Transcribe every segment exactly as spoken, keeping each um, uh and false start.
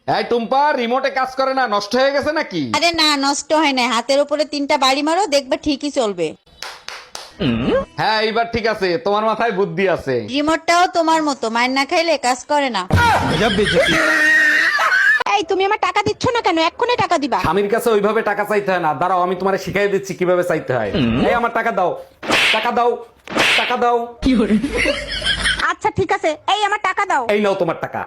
এই টুম্পা, রিমোটে কাজ করে না, নষ্ট হয়ে গেছে নাকি? আরে না, নষ্ট হয় না। হাতের উপরে তিনটা বাড়ি মারো, দেখবে ঠিকই চলবে। হ্যাঁ এইবার ঠিক আছে, তোমার মাথায় বুদ্ধি আছে। রিমোটটাও তোমার মতো, মার না খাইলে কাজ করে না। এই তুমি আমার টাকা দিচ্ছ না কেন? এক্ষুনি টাকা দিবা। স্বামীর কাছে ওইভাবে টাকা চাইতে হয় না, দাঁড়াও আমি তোমারে শিখাই দিচ্ছি কিভাবে চাইতে হয়। এই আমার টাকা দাও, টাকা দাও, টাকা দাও। আচ্ছা ঠিক আছে, এই আমার টাকা দাও। এই নাও তোমার টাকা।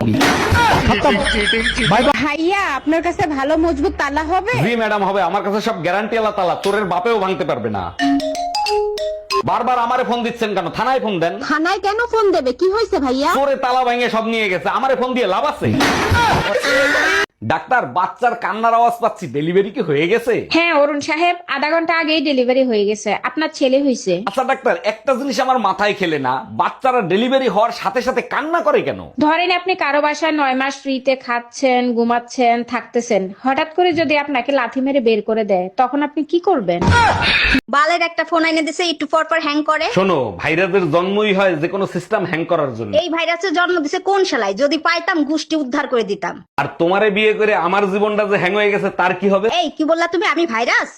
ভাইয়া, আপনার কাছে ভালো মজবুত তালা হবে? জি ম্যাডাম হবে, আমার কাছে সব গ্যারান্টি আলা তালা, চোরের বাপেও ভাঙতে পারবে না। বারবার আমারে ফোন দিচ্ছেন কেন? থানায় ফোন দেন। থানায় কেন ফোন দেবে? কি হয়েছে ভাইয়া? চোরে তালা ভাঙে সব নিয়ে গেছে, আমারে ফোন দিয়ে লাভ আছে? ডাক্তার, বাচ্চার কান্নার আওয়াজ পাচ্ছি, ডেলিভারি কি হয়ে গেছে? হ্যাঁ অরুণ সাহেব, আধা ঘন্টা আগেই ডেলিভারি হয়ে গেছে, আপনার ছেলে হয়েছে। আচ্ছা ডাক্তার, একটা জিনিস আমার মাথায় খেলে না, বাচ্চারা ডেলিভারি হওয়ার সাথে সাথে কান্না করে কেন? ধরেন আপনি কারো বাসায় নয় মাস ফ্রিতে খাচ্ছেন, ঘুমাচ্ছেন, থাকতেছেন, হঠাৎ করে যদি আপনাকে লাথি মেরে বের করে দেয়, তখন আপনি কি করবেন? বালের একটা ফোন এনে দিছে, একটু পর পর হ্যাং করে। শোনো, ভাইরাসের জন্মই হয় যে কোনো সিস্টেম হ্যাং করার জন্য। এই ভাইরাসের জন্ম দিছে কোন শালায়? যদি পাইতাম গুষ্টি উদ্ধার করে দিতাম। আর তোমারে বিয়ে করে আমার জীবনটা যে হ্যাং হয়ে গেছে তার কি হবে? এই কি বললা তুমি? আমি ভাইরাস?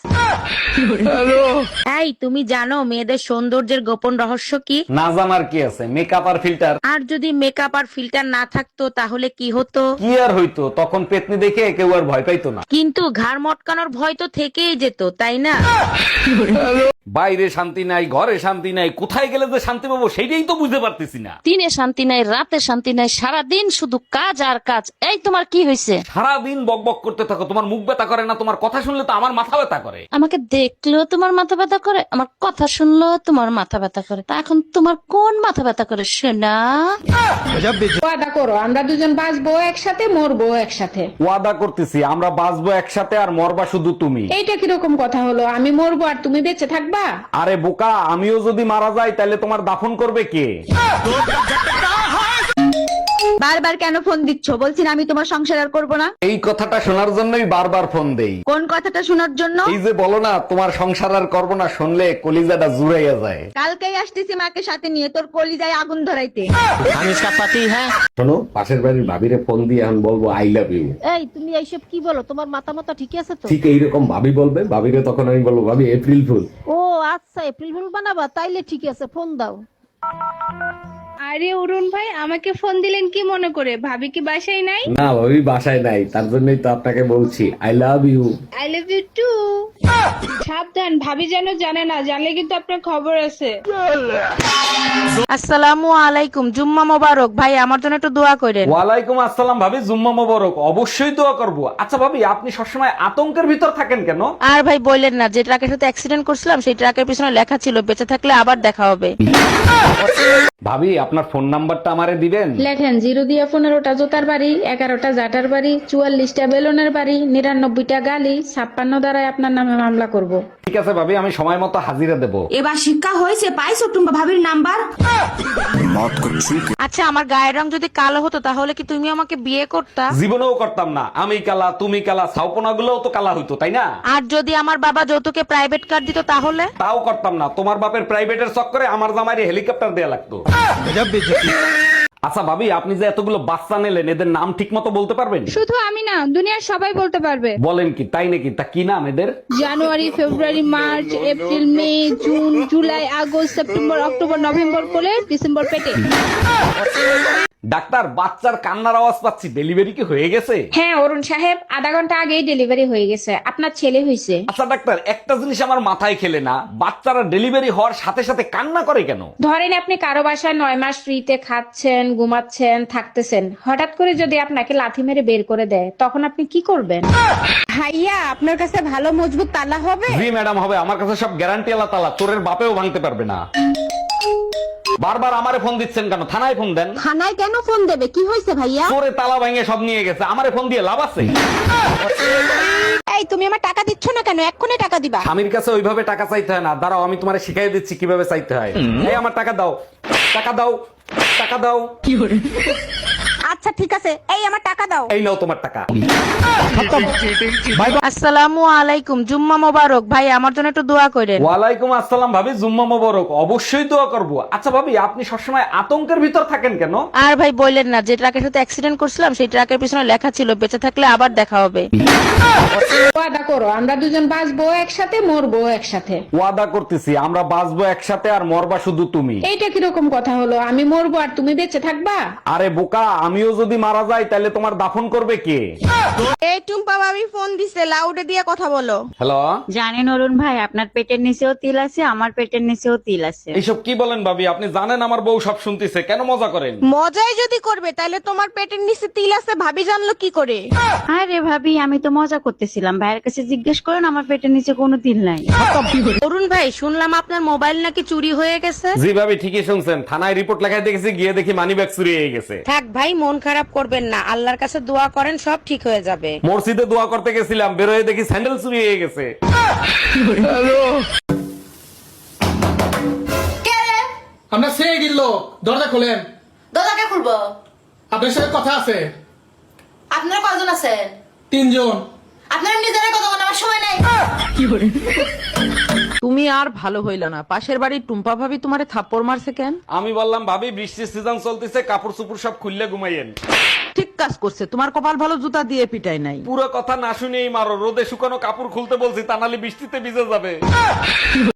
এই তুমি জানো মেয়েদের সৌন্দর্যের গোপন রহস্য কি? না জানার কি আছে, মেকআপ আর ফিল্টার। আর যদি মেকআপ আর ফিল্টার না থাকতো তাহলে কি হতো? কি আর হইতো, তখন পেতনি দেখে কেউ আর ভয় পাইতো না। কিন্তু ঘাড় মটকানোর ভয় তো থেকেই যেত, তাই না? বাইরে শান্তি নাই, ঘরে শান্তি নাই, কোথায় গেলে যে শান্তি পাবো সেটাই তো বুঝতে পারতেছি না। দিনে শান্তি নাই, রাতে শান্তি নাই, সারাদিন শুধু কাজ আর কাজ। এই তোমার কি হয়েছে? সারাদিন বক বক করতে থাকো, তোমার মুখ ব্যথা করে না? তোমার কথা শুনলে তো আমার মাথা ব্যথা করে। আমাকে দেখলেও তোমার মাথা ব্যথা করে, আমার কথা শুনলেও তোমার মাথা ব্যথা করে। তা এখন তোমার কোন মাথা ব্যথা করে শোনা? ওয়াদা করো আমরা দুজন বাঁচবো একসাথে, মরবো একসাথে। ওয়াদা করতেছি, আমরা বাঁচবো একসাথে আর মরবা শুধু তুমি। এইটা কিরকম কথা হলো? আমি মরবো আর তুমি বেঁচে থাকবা? আরে বোকা, আমিও যদি মারা যাই তাহলে তোমার দাফন করবে কে? বারবার কেন ফোন দিচ্ছ? বলছি না আমি তোমার সংসার আর করবো না। এই কথাটা শোনার জন্যই বারবার ফোন দেই। কোন কথাটা শোনার জন্য? এই যে বলো না তোমার সংসার আর করবো না, শুনলে কলিজাটা জুড়াইয়া যায়। কালকেই আসতেছি মাকে সাথে নিয়ে, তোর কলিজায় আগুন ধরাইতে। শোনো, পাশের বাড়ির ভাবিরে ফোন দিয়ে এখন বলবো আই লাভ ইউ। এই তুমি এইসব কি বলো? তোমার মাথা মাথা ঠিক আছে তো? ঠিক এইরকম ভাবি বলবে, ভাবিরে তখন আমি বলবো ভাবি এপ্রিল ফুল। ও আচ্ছা, এপ্রিল ফুল বানাবা? তাইলে ঠিক আছে, ফোন দাও। আরে অরুণ ভাই, আমাকে ফোন দিলেন কি মনে করে? ভাবি কি বাসায় নাই? না ভাবি বাসায় নাই, তার জন্যই তো আপনাকে বলছি I love you. I love you too. সাবধান, ভাবি যেন জানে না, জানলে কিন্তু আপনার খবর আছে। আসসালামু আলাইকুম, জুম্মা মোবারক। ভাই আমার জন্য একটু দোয়া করেন। ওয়ালাইকুম আসসালাম ভাবি, জুম্মা মোবারক। অবশ্যই দোয়া করব। আচ্ছা ভাবি, আপনি সবসময় আতঙ্কের ভিতর থাকেন কেন? আর ভাই বললেন না, যে ট্রাকের সাথে অ্যাক্সিডেন্ট করছিলাম সেই ট্রাকের পিছনে লেখা ছিল বেঁচে থাকলে আবার দেখা হবে। ভাবি আপনার ফোন নাম্বারটা আমারে দিবেন? লেখেন জিরো দিয়া পনেরোটা জোতার বাড়ি, এগারোটা জাটার বাড়ি, চুয়াল্লিশটা বেলুনের বাড়ি, নিরানব্বইটা গালি, ছাপ্পান্ন দ্বারাই আপনার নামে মামলা করব। ঠিক আছে ভাবি, আমি সময় মতো হাজিরা দেব। এবার শিক্ষা হয়েছে, পাইছো টুম্বা ভাবির নাম্বার? আচ্ছা, আমার গায়ের রং যদি কালো হতো তাহলে কি তুমি আমাকে বিয়ে করতা? জীবনেও করতাম না। আমি কালা, তুমি কালা, ছাউপনা গুলোও তো কালা হইতো, তাই না? আর যদি আমার বাবা যৌতুকে প্রাইভেট কার দিত তাহলে? তাও করতাম না। তোমার বাপের প্রাইভেটের চক্করে আমার জামাইরে হেলিকপ্টার দেয়া লাগতো। আচ্ছা ভাবি, আপনি যে এতগুলো বাচ্চা নিলেন, এদের নাম ঠিক মতো বলতে পারবেন? শুধু আমি না, দুনিয়ার সবাই বলতে পারবে। বলেন কি, তাই নাকি? তা কি নাম এদের? January, February, March, April, May, June, July, August, September, October, November করে ডিসেম্বর পেটে। ডাক্তার, বাচ্চার কান্নার আওয়াজ পাচ্ছি, ডেলিভারি কি হয়ে গেছে? হ্যাঁ অরুণ সাহেব, আধা ঘন্টা আগেই ডেলিভারি হয়ে গেছে, আপনার ছেলে হয়েছে। আচ্ছা ডাক্তার, একটা জিনিস আমার মাথায় খেলে না, বাচ্চারা ডেলিভারি হওয়ার সাথে সাথে কান্না করে কেন? ধরেন আপনি কারো বাসায় নয় মাস ফ্রিতে খাচ্ছেন, ঘুমাচ্ছেন, থাকতেছেন, হঠাৎ করে যদি আপনাকে লাথি মেরে বের করে দেয়, তখন আপনি কি করবেন? ভাইয়া, আপনার কাছে ভালো মজবুত তালা হবে? জি ম্যাডাম হবে, আমার কাছে সব গ্যারান্টি আলা তালা, চোরের বাপেও ভাঙতে পারবে না। বারবার আমারে ফোন দিচ্ছেন কেন? থানায় ফোন দেন। থানায় কেন ফোন দেবে? কি হয়েছে ভাইয়া? চোরে তালা ভাঙে সব নিয়ে গেছে, আমারে ফোন দিয়ে লাভ আছে? এই তুমি আমার টাকা দিচ্ছ না কেন? এক্ষুনি টাকা দিবা। স্বামীর কাছে ওইভাবে টাকা চাইতে হয় না, দাঁড়াও আমি তোমারে শিখাই দিচ্ছি কিভাবে চাইতে হয়। এই আমার টাকা দাও, টাকা দাও, টাকা দাও। আচ্ছা আচ্ছা ঠিক আছে, এই আমার টাকা দাও। এই নাও তোমার টাকা। আসসালামু আলাইকুম, জুম্মা মোবারক। ভাই আমার জন্য একটু দোয়া করেন। ওয়ালাইকুম আসসালাম ভাবি, জুম্মা মোবারক। অবশ্যই দোয়া করব। আচ্ছা ভাবি, আপনি সবসময় আতঙ্কের ভিতর থাকেন কেন? আর ভাই বললেন না, যে ট্রাকের সাথে অ্যাক্সিডেন্ট করছিলাম সেই ট্রাকের পিছনে লেখা ছিল বেঁচে থাকলে আবার দেখা হবে। ওয়াদা করো আমরা দুজন বাঁচবো একসাথে, মরবো একসাথে। ওয়াদা করতেছি, আমরা বাঁচবো একসাথে আর মরবা শুধু তুমি। এইটা কিরকম কথা হলো? আমি মরবো আর তুমি বেঁচে থাকবা? আরে বোকা, আমিও যদি মারা যাই তাহলে তোমার দাফন করবে কে? এই টুম্পা ভাবি ফোন দিছে, লাউডে দিয়ে কথা বলো। হ্যালো, জানেন অরুণ ভাই, আপনার পেটের নিচেও তিল আছে, আমার পেটের নিচেও তিল আছে। এইসব কি বলেন ভাবি? আপনি জানেন আমার বউ সব শুনতেছে, কেন মজা করেন? মজাই যদি করবে তাহলে তোমার পেটের নিচে তিল আছে ভাবি জানলো কি করে? আরে ভাবি, আমি তো মজা করতেছিলাম। ভাইয়ের কাছে জিজ্ঞেস করেন, আমার পেটের নিচে কোনো তিল নাই। অরুণ ভাই, শুনলাম আপনার মোবাইল নাকি চুরি হয়ে গেছে। জি ভাবি, ঠিকই শুনছেন। থানায় রিপোর্ট লেখায় দেখেছি, গিয়ে দেখি মানি ব্যাগ চুরি হয়ে গেছে। থাক ভাই, মন খারাপ করবেন না, আল্লাহর কাছে দোয়া করেন, সব ঠিক হয়ে যাবে। মসজিদে দোয়া করতে গেছিলাম, বেরোয় দেখি স্যান্ডেল চুরি হয়ে গেছে। আমরা সে গিল্ল, দরজা খোলেন। দরজাকে খুলবো? আপনার সাথে কথা আছে। আপনারা কজন আছেন? তিনজন। আপনারা নিজেরা কথা বলার আমার সময় নাই। তুমি আর ভালো হইল না, পাশের বাড়ির টুম্পা ভাবি তোমারে থাপ্পড় মারছে কেন? আমি বললাম ভাবি, বৃষ্টির সিজন চলতেছে, কাপড় চুপড় সব খুললে ঘুমাইয়েন। ঠিক কাজ করছে, তোমার কপাল ভালো, জুতা দিয়ে পিটাই নাই। পুরো কথা না শুনেই মারো। রোদে শুকানো কাপড় খুলতে বলছি, তা নাহলে বৃষ্টিতে ভিজে যাবে।